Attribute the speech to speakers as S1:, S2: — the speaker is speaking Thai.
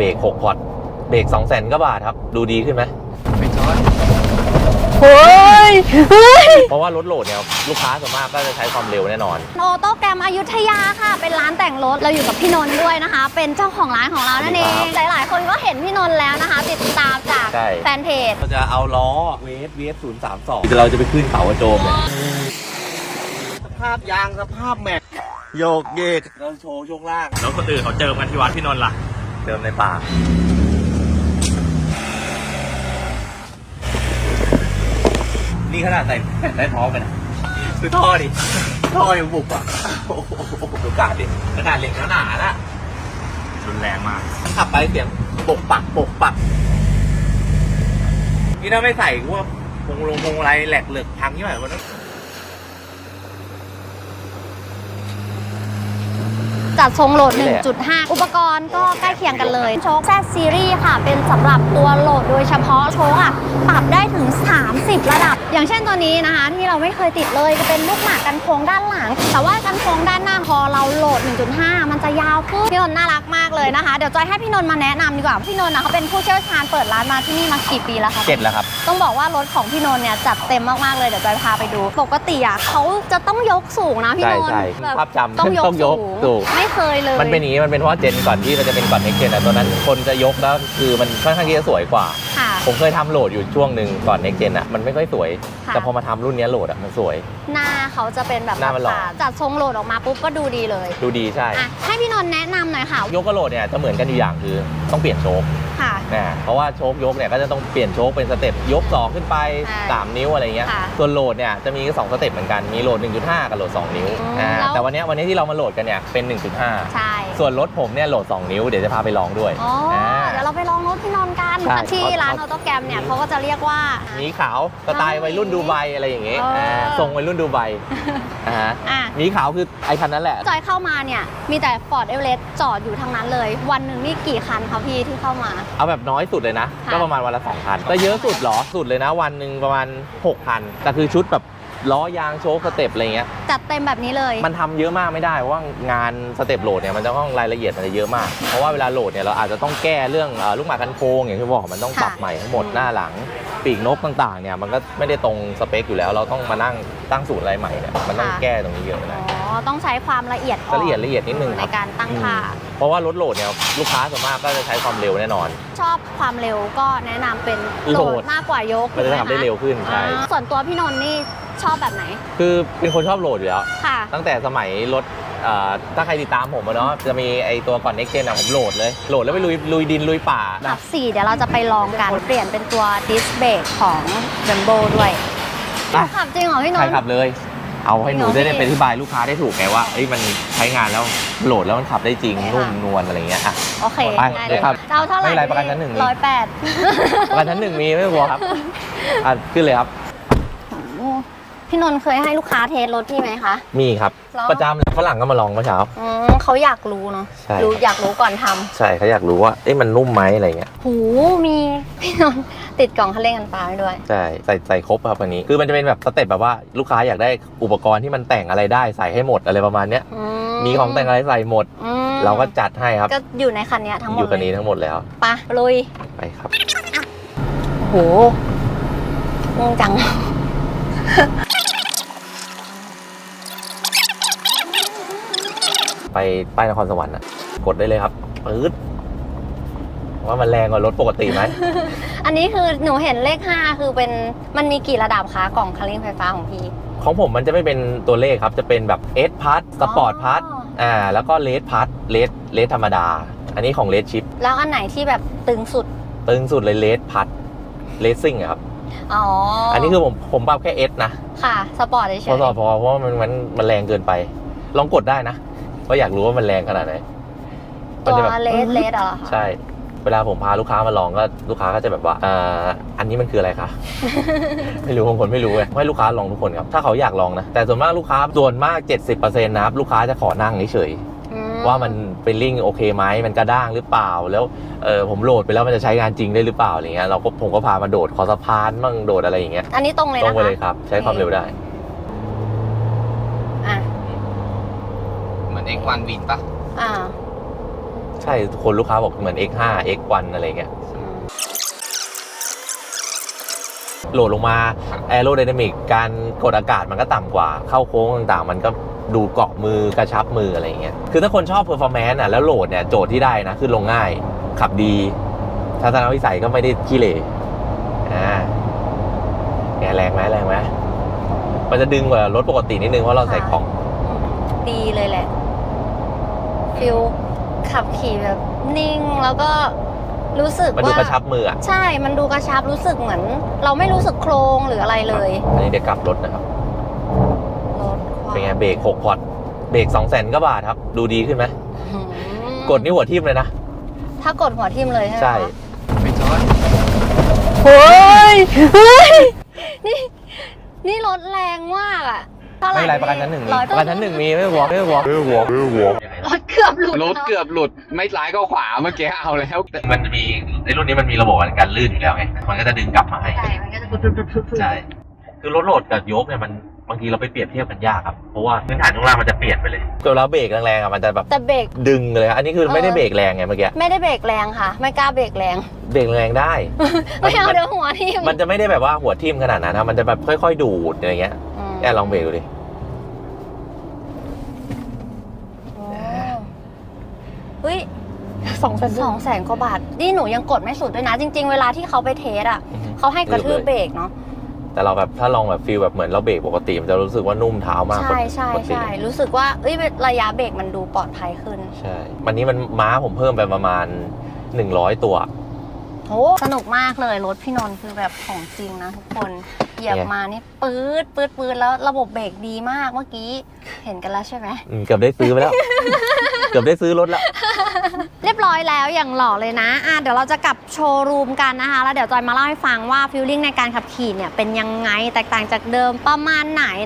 S1: เบรก6พอร์ตเบรก200,000 กว่าบาทครับดูดีขึ้นไหมไม่ช้อน
S2: เฮ้ย
S1: เพราะว่ารถโหลดเนี่ยลูกค้าส่วนมากก็จะใช้ความเร็วแน่นอน
S2: ออโต้แกรมอยุธยาค่ะเป็นร้านแต่งรถเราอยู่กับพี่นนท์ด้วยนะคะ เป็นเจ้าของร้านของเรานั่นเองหลายๆคนก็เห็นพี่นนท์แล้วนะคะติดตามจากแฟนเพจ
S1: เราจะเอาล้อเวฟ032เราจะไปขึ้นเขากระโจมเนี่ยสภาพยางสภาพแม็กโยกเยกเราโชว์ช่วงล่างแล้วคนอื่นเขาเจอกันที่วัดพี่นนท์ล่ะเจอในป่านี่ขนาดใส่แผ่นได้ท้องไปนะคือท่อดิท่อยังบุกอ่ะดูกาดดิขนาดเหล็กหนาๆนะรุนแรงมากขับไปเสียงปกปักนี่ถ้าไม่ใส่ว่าพวงอะไรแหลกเหลือกพังที่ไหนวะนั้น
S2: จัดทรงโหลด 1.5 อุปกรณ์ก็ใกล้เคียงกันเลยโชค Z Series ค่ะเป็นสำหรับตัวโหลดโดยเฉพาะโชคอะปรับได้ถึง30ระดับอย่างเช่นตัวนี้นะคะที่เราไม่เคยติดเลยจะเป็นลูกหมากกันโค้งด้านหลังแต่ว่ากันโค้งด้านหน้าพอเราโหลด 1.5 มันจะยาวขึ้นพี่นนท์น่ารักมากเลยนะคะเดี๋ยวจอยให้พี่นนท์มาแนะนำดีกว่าพี่นนท์เขาเป็นผู้เชี่ยวชาญเปิดร้านมาที่นี่มากี่ปีแล้วคะ
S1: 7แล้วครับ
S2: ต้องบอกว่ารถของพี่นนท์เนี่ยจัดเต็มมากๆเลยเดี๋ยวจอยพาไปดูปกติอะเขาจะต้องยกสูงนะพี่นนท์
S1: ภาพจำ
S2: ต้องยกสูงไม่เคยเลย
S1: มันเป็นอย่างนี้มันเป็นเพราะเจนก่อนที่มันจะเป็นก่อนเน็กเจนตอนนั้นคนจะยกแล้วคือมันค่อนข้างที่จะสวยกว่าผมเคยทำโหลดอยู่ช่วงหนึ่งก่อนเน็กเจนมันไม่ค่อยสวยแต่พอมาทำรุ่นนี้โหลดมันสวย
S2: หน้าเขาจะเป็นแบบ
S1: หน้ามันหล่อ
S2: จัดทรงโหลดออกมาปุ๊บก็ดูดีเลย
S1: ดูดีใช่
S2: ให้พี่นนท์แนะนำหน่อยค่ะ
S1: ยกกับโหลดเนี่ยจะเหมือนกันอยู่อย่างคือต้องเปลี่ยนโชคเพราะว่าโชคยกเนี่ยก็จะต้องเปลี่ยนโชคเป็นสเต็ปยก2ขึ้นไป3นิ้วอะไรเงี้ยส่วนโหลดเนี่ยจะมี2สเต็ปเหมือนกันมีโหลด 1.5 กับโหลด2นิ้วแต่วันนี้ที่เรามาโหลดกันเนี่ยเป็น 1.5
S2: ใช่
S1: ส่วนรถผมเนี่ยโหลด2นิ้วเดี๋ยวจะพาไปลองด้วย
S2: เดี๋ยวเราไปลองรถพี่นนท์กันที่ร้านออโต้แกรมเนี่ยเขาก็จะเรียกว่า
S1: หมีขาวสไตล์วัยรุ่นดูไบอะไรอย่างเงี้ยทรงวัยรุ่นดูไบหมีขาวคือไอคันนั้นแหละ
S2: จอยเข้ามาเนี่ยมีแต่ Ford Everest จอดอยู่ทั้งนั้นเลยวันหนึ่งนี่กี่คันคะพี่ที่เข้ามา
S1: เอาแบบน้อยสุดเลยนะก็ประมาณวันละ2 คันแต่เยอะสุดหรอสุดเลยนะวันหนึ่งประมาณ6 คันแต่คือชุดแบบล้อยางโชว์สเต็ปอะไรเงี้ย
S2: จัดเต็มแบบนี้เลย
S1: มันทำเยอะมากไม่ได้เพราะว่างานสเต็ปโหลดเนี่ยมันจะต้องรายละเอียดมันจะเยอะมากเพราะว่าเวลาโหลดเนี่ยเราอาจจะต้องแก้เรื่องลูกหมากกันโค้งอย่างที่บอกมันต้องปรับใหม่ทั้งหมดหน้าหลังปีกนกต่างๆเนี่ยมันก็ไม่ได้ตรงสเปคอยู่แล้วเราต้องมานั่งตั้งสูตรอะไรใหม่เนี่ยมันต้องแก้ตรงนี้เยอะนะ
S2: ต้องใช้ความละเอียด
S1: ละเอียดนิดนึง
S2: ในการตั้งค่า
S1: เพราะว่ารถโหลดเนี่ยลูกค้าส่วนมากก็จะใช้ความเร็วแน่นอน
S2: ชอบความเร็วก็แนะนำเป็นโหลดมากกว่ายก
S1: มันจะทำได้เร็วขึ้นใช่
S2: ส่วนตัวพี่นนท์นี่ชอบแบบไหน
S1: คือเป็นคนชอบโหลดอยู่แล้วตั้งแต่สมัยรถถ้าใครติดตามผมเนาะจะมีไอตัวก่อน Next Gen ผมโหลดแล้วไปลุยดินลุยป่า
S2: ขับ4เดี๋ยวเราจะไปลองกันเปลี่ยนเป็นตัวดิสเบรกของ Brembo ด้วยขับจริงเหรอพี่นนท์
S1: ใช่ขับเลยเอาให้หนูได้ไปอธิบายลูกค้าได้ถูกไงว่ามันใช้งานแล้วโหลดแล้วมันขับได้จริงนุ่มนวลอะไรเงี้ย
S2: โอเค
S1: ไปเลยครับ
S2: เอาเท่าไหร่
S1: ไม่ไรประกันชั้น1
S2: 108
S1: ประกันชั้น1มีไม่พอครับขึ้นเลยครับ
S2: พี่นนท์เคยให้ลูกค้าเทสรถพี่ไหมคะ
S1: มีครับประจำฝรั่งก็มาลองเมื่อเช้า
S2: เขาอยากรู้เนาะอยากรู้ก่อนทำ
S1: ใช่เขาอยากรู้ว่ามันนุ่มไหมอะไรเงี้ย
S2: หูมีพี่นนท์ติดกล่องคันเร่งกันปลาด้วย
S1: ใช่ใส่ครบครับวันนี้คือมันจะเป็นแบบสเต็ปแบบว่าลูกค้าอยากได้อุปกรณ์ที่มันแต่งอะไรได้ใส่ให้หมดอะไรประมาณเนี้ยมีของแต่งอะไรใส่หมดเราก็จัดให้ครับ
S2: ก็อยู่ในคันนี้ทั้งหมด
S1: อยู่คันนี้ทั้งหมดแล้ว
S2: ไปลุย
S1: ไปครับ
S2: โหงงจัง
S1: ไปป้ายนครสวรรค์กดได้เลยครับปื๊ดว่ามันแรงกว่ารถปกติไหม
S2: อันนี้คือหนูเห็นเลข5คือเป็นมันมีกี่ระดับคะกล่องคันเร่งไฟฟ้าของพี่
S1: ของผมมันจะไม่เป็นตัวเลขครับจะเป็นแบบ S Plus Sport Plus แล้วก็ Red Plus Red ธรรมดาอันนี้ของ Red Chip
S2: แล้วอันไหนที่แบบตึงสุด
S1: เลย Red Plus Racing ครับอันนี้คือผมปรับแค่ S นะ
S2: ค่ะสปอร์ตเฉย
S1: ๆเพราะว่ามันแรงเกินไปลองกดได้นะก็อยากรู้ว่ามันแรงขนาดไหน
S2: ตัวเลสเหรอ
S1: ใช่เวลาผมพาลูกค้ามาลองก็ลูกค้าก็จะแบบว่าอันนี้มันคืออะไรคะ ไม่รู้บางคนไม่รู้เลยให้ลูกค้าลองทุกคนครับถ้าเขาอยากลองนะแต่ส่วนมากลูกค้าส่วนมาก 70% นะครับลูกค้าจะขอนั่งเฉยๆว่ามันเป็นลิ่งโอเคไหมมันกระด้างหรือเปล่าแล้วผมโหลดไปแล้วมันจะใช้งานจริงได้หรือเปล่าอะไรเงี้ยผมก็พามาโดดคอสะพานมั่งโดดอะไรอย่างเงี้ย
S2: อันนี้ตรงเลยนะคะ
S1: ตรงไปเลยครับใช้ความเร็วได้
S3: เหมือน X1 วินปะ
S1: ใช่คนลูกค้าบอกเหมือน X5 X1 อะไรเงี้ยโหลดลงมาแอโรไดนามิกการกดอากาศมันก็ต่ำกว่าเข้าโค้งต่างๆมันก็ดูเกาะมือกระชับมืออะไรเงี้ยคือถ้าคนชอบเพอร์ฟอร์แมนซ์แล้วโหลดเนี่ยโจทย์ที่ได้นะคือลงง่ายขับดีทัศนวิสัยก็ไม่ได้ขี้เหร่แรงไหมมันจะดึงกว่ารถปกตินิดนึงเพราะเราใส่ของ
S2: ดีเลยแหละฟิลขับขี่แบบนิ่งแล้วก็รู้สึกว่ามัน
S1: ดูกระชับมืออ่ะ
S2: ใช่มันดูกระชับรู้สึกเหมือน เราไม่รู้สึกโครงหรืออะไรเลย
S1: อันนี้เดี๋ยวกลับรถนะครับ
S2: รถ
S1: เป็นไงเบรก6 พอร์ตเบรก200,000 กว่าบาทครับดูดีขึ้นไหมกดนี่หัวทิ่มเลยนะ
S2: ถ้ากดหัวทิ่มเลยใช่ไหม
S1: ใช่
S3: ไม่ช้อน
S2: เฮ้ยนี่รถแรงมากอ่ะ
S1: ไม่ไรประกันชั้น 1มีประกันชั้น 1มีไม่วอร์
S2: รถเกือบห
S3: ลุดไม่ซ้ายก็ขวาเมื่อกี้เอาแล้ว
S1: มันจะมีในรุ่นนี้มันมีระบบการลื่นอยู่แล้วไงมันก็จะดึงกลับมาให้
S2: ใช่มันก็จะ
S1: ใช่คือรถโหลดกับยกเนี่ยมันบางทีเราไปเปรียบเทียบกันยากครับเพราะว่าพื้นฐานข้างล่างมันจะเปลี่ยนไปเลยเวลาเบรกแรงๆอ่ะมันจะแบบ
S2: แต่เบรก
S1: ดึงเลยอันนี้คือไม่ได้เบรกแรงไงเมื่อกี้
S2: ไม่ได้เบรกแรงค่ะไม่กล้าเบรกแรง
S1: ได้
S2: ไม่เอาเดี๋ยวหัวทิ่ม
S1: มันจะไม่ได้แบบว่าหัวทิ่มขนาดนั้นนะมันจะแบบค่อยๆดูดอะไรเงี้ยแอบลองเบรกดูดิ
S2: เฮ้ย200,000 กว่าบาทนี่หนูยังกดไม่สุดด้วยนะจริงๆเวลาที่เขาไปเทสอ่ะเขาให้กระทืบเบรกเนาะ
S1: แต่เราแบบถ้าลองแบบฟีลแบบเหมือนเราเบรกปกติมันจะรู้สึกว่านุ่มเท้ามาก
S2: ใช่รู้สึกว่าระยะเบรกมันดูปลอดภัยขึ้น
S1: ใช่วันนี้มันม้าผมเพิ่มไปประมาณ100 ตัว
S2: โอ้สนุกมากเลยรถพี่นนท์คือแบบของจริงนะทุกคนเหยียบมานี่ปื๊ดแล้วระบบเบรกดีมากเมื่อกี้เห็นกันแล้วใช่ไหม
S1: เกือบได้ซื้อไปแล้ว เกือบได้ซื้อรถแล้ว
S2: เรียบร้อยแล้วอย่างหล่อเลยนะเดี๋ยวเราจะกลับโชว์รูมกันนะคะแล้วเดี๋ยวจอยมาเล่าให้ฟังว่าฟีลลิ่งในการขับขี่เนี่ยเป็นยังไงแตกต่างจากเดิมประมาณไหน